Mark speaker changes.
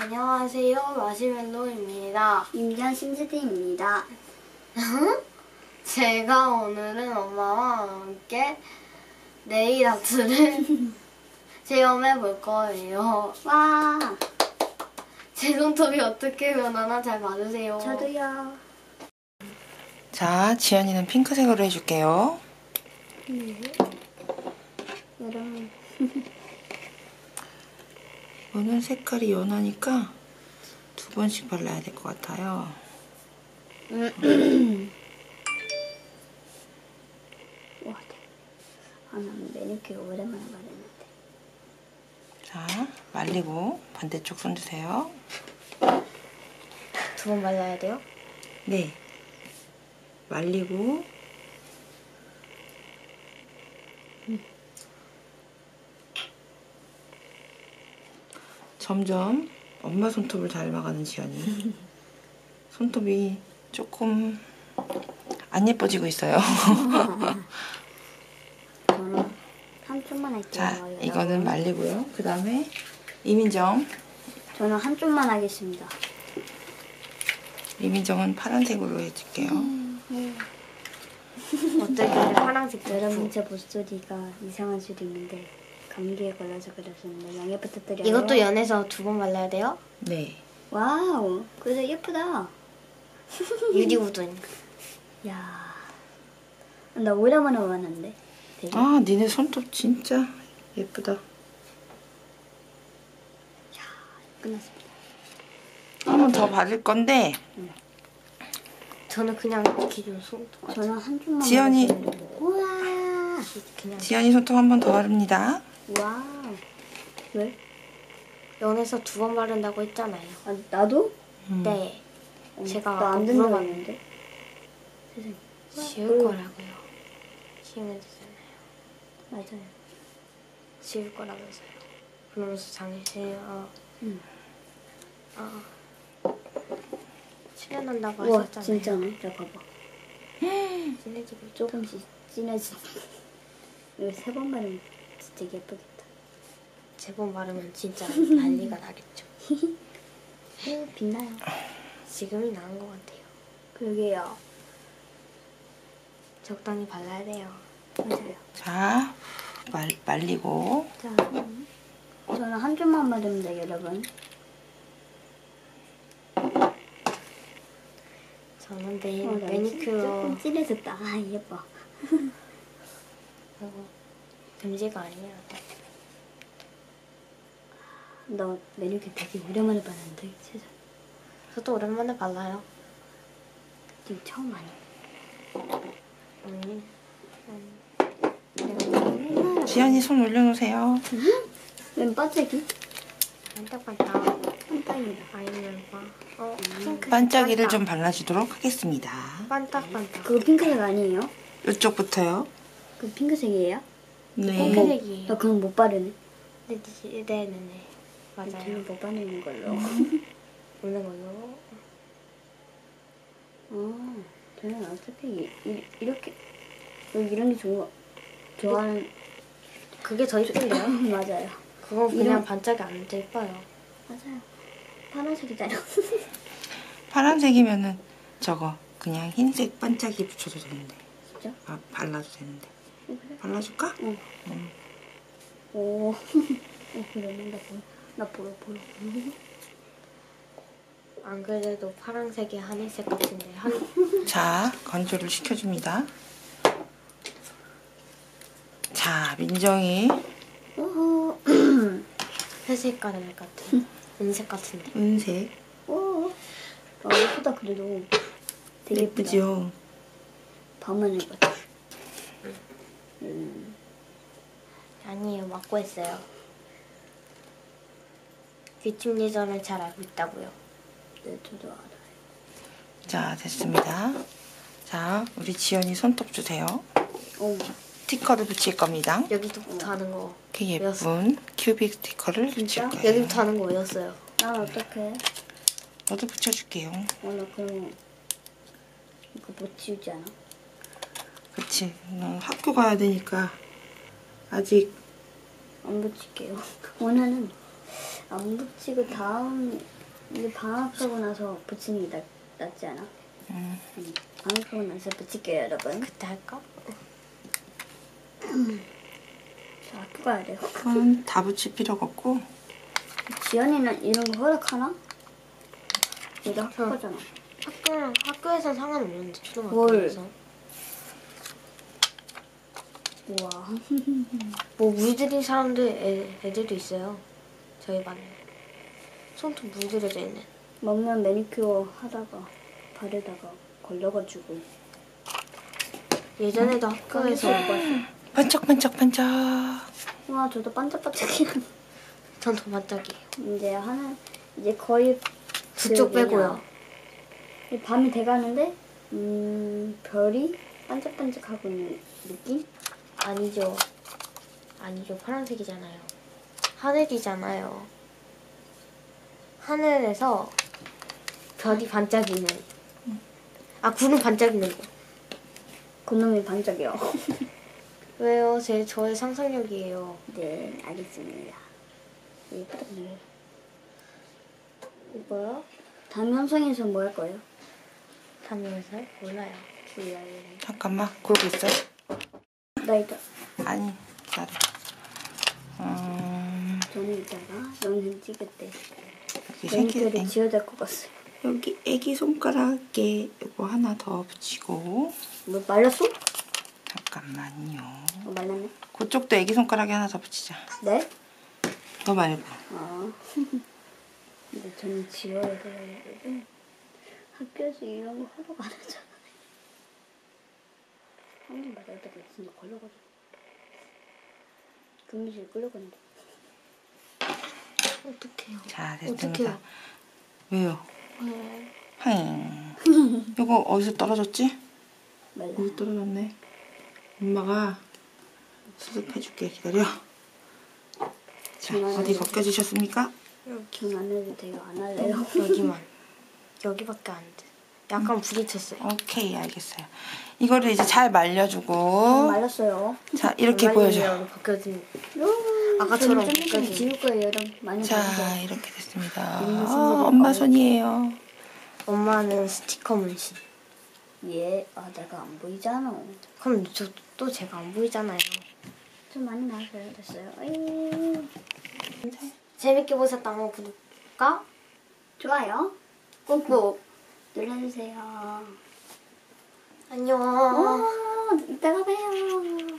Speaker 1: 안녕하세요, 마시멜로입니다.
Speaker 2: 임전 심스디입니다.
Speaker 1: 제가 오늘은 엄마와 함께 네일 아트를 체험해 볼 거예요.
Speaker 2: 와,
Speaker 1: 제 손톱이 어떻게 변하나 잘 봐주세요.
Speaker 2: 저도요.
Speaker 3: 자, 지연이는 핑크색으로 해줄게요.
Speaker 2: 여러분,
Speaker 3: 오늘 색깔이 연하니까 2번씩 발라야 될 것 같아요.
Speaker 2: 와, 난 매니큐어 오랜만에 바르는데.
Speaker 3: 자, 말리고 반대쪽 손 주세요.
Speaker 1: 2번 발라야 돼요?
Speaker 3: 네. 말리고 점점 엄마 손톱을 닮아가는 지연이. 손톱이 조금 안 예뻐지고 있어요.
Speaker 2: 저는 3초만 할게요.
Speaker 3: 자,
Speaker 2: 여러분.
Speaker 3: 이거는 말리고요. 그 다음에 이민정.
Speaker 2: 저는 한 쪽만 하겠습니다.
Speaker 3: 이민정은 파란색으로 해줄게요.
Speaker 1: 어떻게 파란색
Speaker 2: 여러분, 제 목소리가 이상한 수도 있는데 감기에 걸려서 그랬었는데 양해 부탁드려요.
Speaker 1: 이것도 연해서 2번 발라야 돼요?
Speaker 3: 네.
Speaker 2: 와우, 그래도 예쁘다.
Speaker 1: 유리우드니까.
Speaker 2: 야, 나 오랜만에 봤는데. 되게.
Speaker 3: 아, 니네 손톱 진짜 예쁘다.
Speaker 2: 끝났습니다.
Speaker 3: 한 번 더 바를 건데
Speaker 1: 저는 그냥 기존 손톱 같은
Speaker 2: 저는 한 쪽만.
Speaker 3: 지연이
Speaker 2: 바르겠습니다. 우와,
Speaker 1: 그냥
Speaker 3: 지연이 손톱 한 번 더 바릅니다.
Speaker 2: 와우. 왜?
Speaker 1: 연해서 2번 바른다고 했잖아요.
Speaker 2: 아, 나도?
Speaker 1: 네. 제가
Speaker 2: 나 안 된다고
Speaker 1: 물어봤는데
Speaker 2: 했는데. 세상에.
Speaker 1: 지울 거라고요. 지우면 되잖아요.
Speaker 2: 맞아요.
Speaker 1: 지울 거라면서요. 그러면서 장시요. 출연한다고
Speaker 2: 우와,
Speaker 1: 하셨잖아요.
Speaker 2: 진짜네. 자, 봐봐.
Speaker 1: 진해지고 있죠.
Speaker 2: 조금씩 진해지. 이거 3번 바르면 진짜 예쁘겠다.
Speaker 1: 3번 바르면 진짜 난리가 나겠죠.
Speaker 2: 빛나요.
Speaker 1: 지금이 나은 것 같아요.
Speaker 2: 그러게요.
Speaker 1: 적당히 발라야 돼요.
Speaker 2: 맞아요.
Speaker 3: 자, 말리고
Speaker 2: 자, 저는 한 쪽만 바르면 돼요, 여러분.
Speaker 1: 저는 내일
Speaker 2: 나
Speaker 1: 매니큐어
Speaker 2: 조금 진해졌다. 아, 예뻐.
Speaker 1: 금지가 아니야.
Speaker 2: 나 매니큐어 되게 오랜만에 봤는데, 세상.
Speaker 1: 저도 오랜만에 발라요.
Speaker 2: 지금 처음 하네.
Speaker 3: 지연이 손 올려놓으세요.
Speaker 2: 웬 반짝이?
Speaker 1: 반짝반짝.
Speaker 2: 반짝이다.
Speaker 1: 아이들과 핑크
Speaker 3: 반짝이를 좀 발라주도록 하겠습니다.
Speaker 1: 반짝반짝.
Speaker 2: 그거 핑크색 아니에요?
Speaker 3: 이쪽부터요.
Speaker 2: 그 핑크색이에요?
Speaker 3: 네.
Speaker 1: 핑크색이에요.
Speaker 2: 나 그건 못 바르네.
Speaker 1: 네네네. 맞아요.
Speaker 2: 저는 못 바르는 걸로.
Speaker 1: 오는 걸로.
Speaker 2: 저는 어차피 이렇게 이런 게 좋아하는.
Speaker 1: 그게 더 이쁜데요?
Speaker 2: 맞아요.
Speaker 1: 그건 그냥
Speaker 2: 이런-
Speaker 1: 반짝이 안 예뻐요.
Speaker 2: 맞아요. 파란색이잖아요.
Speaker 3: 파란색이면은 저거 그냥 흰색 반짝이 붙여도 되는데.
Speaker 2: 진짜?
Speaker 3: 아, 발라도 되는데.
Speaker 2: 그래?
Speaker 3: 발라줄까?
Speaker 2: 응. 오. 그러네. 나 보러.
Speaker 1: 안 그래도 파란색이 하늘색 같은데
Speaker 3: 자, 건조를 시켜줍니다. 자, 민정이
Speaker 2: 오호.
Speaker 1: 회색 가늘 같은 은색 같은데.
Speaker 3: 은색.
Speaker 2: 오. 아, 예쁘다 그래도. 되게 예쁘다.
Speaker 3: 예쁘죠?
Speaker 2: 밤만 해봐.
Speaker 1: 아니에요, 맞고 했어요. 귀침 예절을 잘 알고 있다고요.
Speaker 2: 네, 저도 알아요.
Speaker 3: 자, 됐습니다. 자, 우리 지연이 손톱 주세요.
Speaker 2: 오.
Speaker 3: 스티커를 붙일 겁니다.
Speaker 1: 여기부터 하는 거.
Speaker 3: 이렇게 예쁜 큐빅 스티커를 붙일
Speaker 2: 진짜?
Speaker 3: 거예요.
Speaker 1: 여기부터 하는 거 외웠어요.
Speaker 2: 난 어떡해?
Speaker 3: 너도 붙여줄게요.
Speaker 2: 나 그럼 이거 못 지우지 않아?
Speaker 3: 그치. 너 학교 가야 되니까 아직
Speaker 2: 안 붙일게요. 원하는 안 붙이고 다음 이제 방학하고 나서 붙이는 게 낫지 않아? 방학하고 나서 붙일게요, 여러분.
Speaker 1: 그때 할까?
Speaker 2: 저 학교 가야 돼요.
Speaker 3: 그건 다 붙일 필요가 없고.
Speaker 2: 지연이는 이런 거 허락하나? 얘도 학교 가잖아.
Speaker 1: 학교에서 상관없는데 초등학교에서.
Speaker 2: 우와.
Speaker 1: 뭐 물들인 사람들 애들도 있어요. 저희 반에. 손톱 물들여져 있는.
Speaker 2: 먹는 매니큐어 하다가 바르다가 걸려가지고
Speaker 1: 예전에도 학교에서
Speaker 3: 반짝반짝반짝.
Speaker 2: 와 저도 반짝반짝이야.
Speaker 1: 전 더 반짝이에요.
Speaker 2: 이제 거의
Speaker 1: 두쪽
Speaker 2: 그 뭐냐,
Speaker 1: 빼고요.
Speaker 2: 밤이 돼가는데 별이 반짝반짝하고 있는 느낌?
Speaker 1: 아니죠. 아니죠. 파란색이잖아요. 하늘이잖아요. 하늘에서 별이 반짝이는. 아, 구름 반짝이는 거.
Speaker 2: 그놈이 반짝이요.
Speaker 1: 왜요? 저의 상상력이에요.
Speaker 2: 네 알겠습니다. 예쁘다.
Speaker 1: 이거요?
Speaker 2: 다음 영상에서 뭐 할 거예요?
Speaker 1: 다음 영상? 몰라요.
Speaker 3: 잠깐만, 그러고 있어.
Speaker 2: 나 이따
Speaker 3: 아니, 기다려.
Speaker 2: 저는 이따가 영상 찍을 때
Speaker 3: 여기
Speaker 2: 매니큐어를 지어야 될 것 같아요.
Speaker 3: 여기 애기 손가락에 이거 하나 더 붙이고.
Speaker 2: 뭐 말랐어?
Speaker 3: 잠깐만요.
Speaker 2: 말랐네.
Speaker 3: 그쪽도 애기 손가락에 하나 더 붙이자.
Speaker 2: 네?
Speaker 3: 너 말고.
Speaker 2: 근데 저는 지워야 돼요. 학교에서 이런 거 허락 안 하잖아요. 한 번 맞았다가 진짜 걸려가지고 교무실 끌려가는데.
Speaker 1: 어떡해요.
Speaker 3: 자,
Speaker 1: 어떡해요.
Speaker 3: 됐습니다. 왜요?
Speaker 1: 네.
Speaker 3: 하잉. 이거 어디서 떨어졌지?
Speaker 2: 말라.
Speaker 3: 여기 떨어졌네. 엄마가 수습해줄게. 기다려. 자, 어디 벗겨지셨습니까?
Speaker 2: 경 안 해도 돼요. 안 할래요.
Speaker 1: 여기만. 여기밖에 안 돼. 약간 부딪혔어요.
Speaker 3: 오케이, 알겠어요. 이거를 이제 잘 말려주고.
Speaker 2: 말랐어요.
Speaker 3: 자, 이렇게 보여줘.
Speaker 1: 벗겨진.
Speaker 2: 아까처럼
Speaker 1: 아까처럼
Speaker 2: 좀
Speaker 1: 벗겨진.
Speaker 2: 지울 거예요. 여러분. 많이
Speaker 3: 자,
Speaker 2: 봐주세요.
Speaker 3: 이렇게 됐습니다.
Speaker 2: 손으로
Speaker 3: 엄마 손이에요.
Speaker 1: 엄마는 스티커 문신.
Speaker 2: 예. 내가 안 보이잖아.
Speaker 1: 그럼 또 제가 안 보이잖아요.
Speaker 2: 좀 많이 나왔어요. 됐어요. 에이.
Speaker 1: 재밌게 보셨다면 구독과
Speaker 2: 좋아요. 꾹꾹 눌러주세요.
Speaker 1: 안녕.
Speaker 2: 이따가 봬요.